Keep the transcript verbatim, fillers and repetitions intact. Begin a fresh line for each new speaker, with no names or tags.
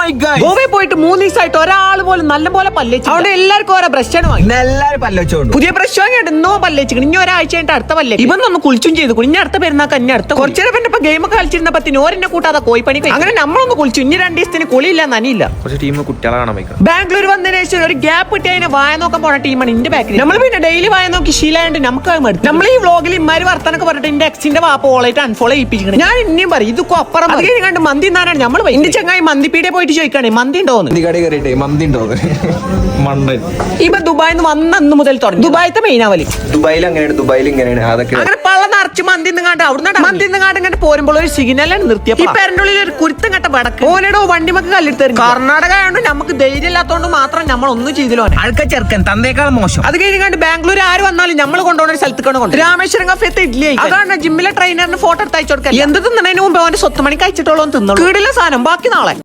ഗോവയിൽ പോയിട്ട് മൂന്ന് ദിവസമായിട്ട് ഒരാൾ പോലും നല്ല പോലെ പല്ലേച്ചു. അവിടെ എല്ലാവർക്കും ഓരോ ബ്രഷാണ് വാങ്ങി.
എല്ലാരും പല്ലുവെച്ചോണ്ട്
പുതിയ ബ്രഷ് വാങ്ങിയിട്ട് ഇന്നോ പല്ലേച്ചു. ഇനി ഒരാഴ്ച കഴിഞ്ഞിട്ട് അടുത്ത പല്ലേ ഇവൻ ഒന്ന് കുളിച്ചും ചെയ്തു. ഇനി അടുത്ത പെരുന്നാക്ക് ഇനി അടുത്ത കുറച്ചു നേരം പിന്നെ ഇപ്പൊ ഗെയിം ഒക്കെ കളിച്ചിരുന്നപ്പോ ഓരെന്നെ കൂട്ടാതെ കോയിപ്പണി അങ്ങനെ നമ്മളൊന്ന് കുളിച്ചു. ഇനി രണ്ട് ദിവസത്തിന് കുളിയില്ല നനിയില്ല.
കുറച്ച് ടീം കുട്ടികളെ കാണാൻ പോയിക്കണം.
ബാംഗ്ലൂർ വന്നതിന് ശേഷം ഒരു ഗ്യാപ്പ് കിട്ടി അതിനെ വായ നോക്കാൻ പോണ ടീമാണ് ഇന്റെ ബാക്കിൽ. നമ്മൾ പിന്നെ ഡെയിലി വായ നോക്കി ശീലമായിട്ട് നമുക്ക് മടുത്തു. നമ്മൾ ഈ വ്ളോഗിൽ ഇമാര് വർത്താനൊക്കെ പറഞ്ഞിട്ട് എന്റെ എക്സിന്റെ വാപ്പ ഓളായിട്ട് അൺഫോളോ ചെയ്യിപ്പിച്ചിട്ടുണ്ട്. ഞാൻ ഇനിയും പറയും ഇതൊക്കെ അപ്പുറം അത് കഴിഞ്ഞാണ്ട് മന്തി എന്നാണ് നമ്മൾ എന്റെ ചങ്ങായി മന്തിപ്പീടെ പോയിട്ട് ചോദിക്കാണേ മന്തി ഉണ്ടോന്ന്.
കട കയറിയിട്ടേ മന്തി ഉണ്ടോ
മണ്ടൻ
ഇപ്പൊ ദുബായിന്ന് വന്ന അന്ന് മുതൽ തുടങ്ങി ദുബായിത്തെ മെയിനാവലി.
ദുബായിൽ അങ്ങനെയാണ് ദുബായിൽ ഇങ്ങനെയാണ് അതൊക്കെ
അങ്ങനെ പള്ള നിറച്ച് മന്തി നിങ്ങാണ്ട് അവിടുന്ന് മന്തി നിങ്ങാണ്ട് ഇങ്ങനെ പോരുമ്പോൾ ഒരു സിഗ്നലാണ് നിർത്തിയപ്പോ ഈ പേരന്റെ ഉള്ളിൽ ഒരു കുരുത്തം കെട്ട വടക്ക് ഓനോടോ വണ്ടിമക്ക് കല്ലെടുത്ത് കർണാടക ആയതുകൊണ്ട് നമുക്ക് ധൈര്യം ഇല്ലാത്തതുകൊണ്ട് മാത്രം നമ്മൾ ഒന്നും ചെയ്തില്ലോ.
അഴുക്ക ചെറുക്കൻ തന്നേക്കാൾ മോശം.
അത് കഴിഞ്ഞാണ്ട് ബാംഗ്ലൂർ ആര് വന്നാലും നമ്മൾ കൊണ്ടുപോകുന്ന ഒരു സ്ഥലത്തേക്കാണ് കൊണ്ട് രാമേശ്വരം കഫേത്തെ ഇഡ്ലി അതാണ് ജിമ്മിലെ ട്രെയിനറിന് ഫോട്ടോ എടുത്ത് അയച്ചു കൊടുക്കാൻ. എന്ത് തിന്നതിന് മുമ്പ് അവന്റെ സ്വത്ത് മണിക്ക് അയച്ചിട്ടോളൂ തിന്നോളൂ. കീടില്ല സാധനം ബാക്കി നാളെ.